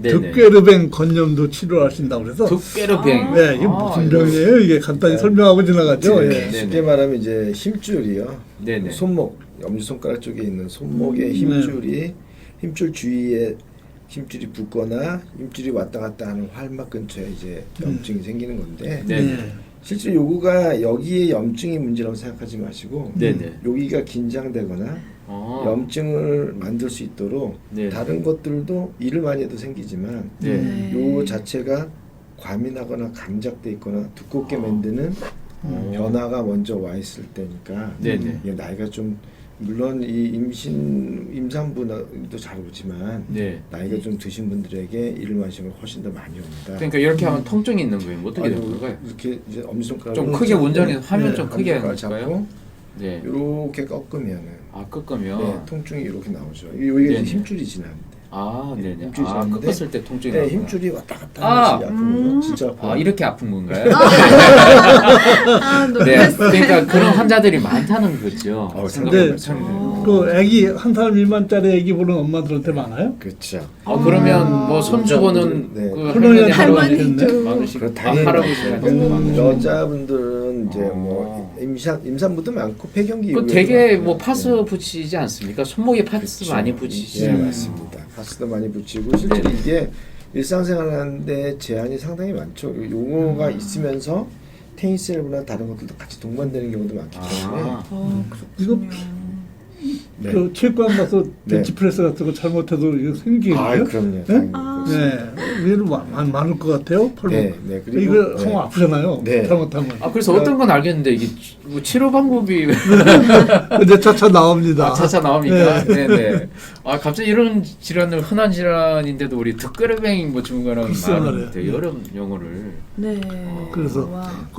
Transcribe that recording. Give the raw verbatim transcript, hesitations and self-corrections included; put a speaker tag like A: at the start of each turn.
A: 네네.
B: 득괴르뱅 건염도 치료하신다고 그래서
A: 득괴르뱅.
B: 네, 이게
A: 아,
B: 무슨 병이에요? 이게 간단히
C: 네.
B: 설명하고 지나가죠.
C: 네,
B: 예.
C: 쉽게 말하면 이제 힘줄이요.
A: 네네.
C: 손목, 엄지손가락 쪽에 있는 손목의
B: 음,
C: 힘줄이 힘줄 주위에 힘줄이 붓거나 힘줄이 왔다 갔다 하는 활막 근처에 이제 염증이 생기는 건데
A: 네네.
C: 실제 요거가 여기에 염증이 문제라고 생각하지 마시고
A: 네네.
C: 여기가 긴장되거나
A: 어.
C: 염증을 만들 수 있도록
A: 네네.
C: 다른 것들도 일을 많이 해도 생기지만
A: 네.
C: 요 자체가 과민하거나 감작돼 있거나 두껍게 만드는
A: 음.
C: 변화가 먼저 와 있을 때니까
A: 네네.
C: 이게 나이가 좀 물론 이 임신 임산부도 잘 오지만
A: 네.
C: 나이가 좀 드신 분들에게 일만심을 훨씬 더 많이 옵니다.
A: 그러니까 이렇게 하면 통증이 있는 거예요. 뭐 어떻게 되는
C: 아주
A: 건가요?
C: 이렇게 이제 엄지손가락
A: 좀 크게 운전해서 화면 좀 크게
C: 엄지손가락
A: 해볼까요?
C: 잡고
A: 네.
C: 이렇게 꺾으면은
A: 아 꺾으면.
C: 네, 통증이 이렇게 나오죠. 여기가
A: 네네.
C: 이제 힘줄이 지나는데.
A: 아 네네.
C: 힘줄이
A: 아
C: 지나는데
A: 꺾었을 때 통증이
C: 네,
A: 나구나.
C: 힘줄이 왔다 갔다
A: 아!
C: 하는 것이 아픈 거죠. 진짜 아파요.
A: 아 이렇게 아픈 건가요?
D: 아,
A: 네.
D: 놀랐어요.
A: 그러니까 그런 환자들이 많다는 거죠.
C: 어,
A: 생각해보면.
C: 상당히
B: 그 아기 한 살 미만짜리 아기 보는 엄마들한테 많아요?
C: 그렇죠.
A: 아 그러면 뭐 손주고는
C: 네.
A: 그
B: 할머니,
A: 할머니
D: 할머니도.
A: 많으시고
C: 그럼
A: 아,
C: 당연히
A: 할아버지한테도
C: 음,
A: 많으시고.
C: 여자분들은 이제
A: 어.
C: 뭐 임산 임산부도 많고 폐경기
A: 그
C: 이후에도
A: 되게
C: 많고요.
A: 뭐 파스
C: 네.
A: 붙이지 않습니까? 손목에 파스
C: 그렇죠.
A: 많이 붙이시죠.
C: 예, 맞습니다. 파스도 많이 붙이고 실제로
A: 네네.
C: 이게 일상생활하는데 제한이 상당히 많죠. 요- 요거가
A: 음.
C: 있으면서 테니스 엘보나 다른 것들도 같이 동반되는 경우도 많기 때문에
A: 아.
D: 어,
B: 이거
D: 그렇군요.
C: 네.
B: 그 체육관 가서
C: 네.
B: 벤치프레스 같은 거 잘못해도 이거 생기거든요.
C: 아, 그럼요.
B: 네?
C: 당연히
D: 아.
C: 그렇습니다.
B: 네, 얘는 많, 많을 것 같아요. 팔목.
C: 네, 네. 그리고
B: 이거
C: 네.
B: 하면 아프잖아요.
C: 네.
B: 잘못하면.
A: 아 그래서 어떤 건 알겠는데 이게 치- 뭐 치료 방법이
B: 근데 차차 나옵니다.
A: 아, 차차 나옵니까? 네, 네. 아 갑자기 이런 질환을 흔한 질환인데도 우리 득그레뱅 뭐 증후군이라는
B: 글쎄
A: 말은
B: 말이에요.
A: 되게 여러 용어를
D: 네.
B: 그래서
D: 와.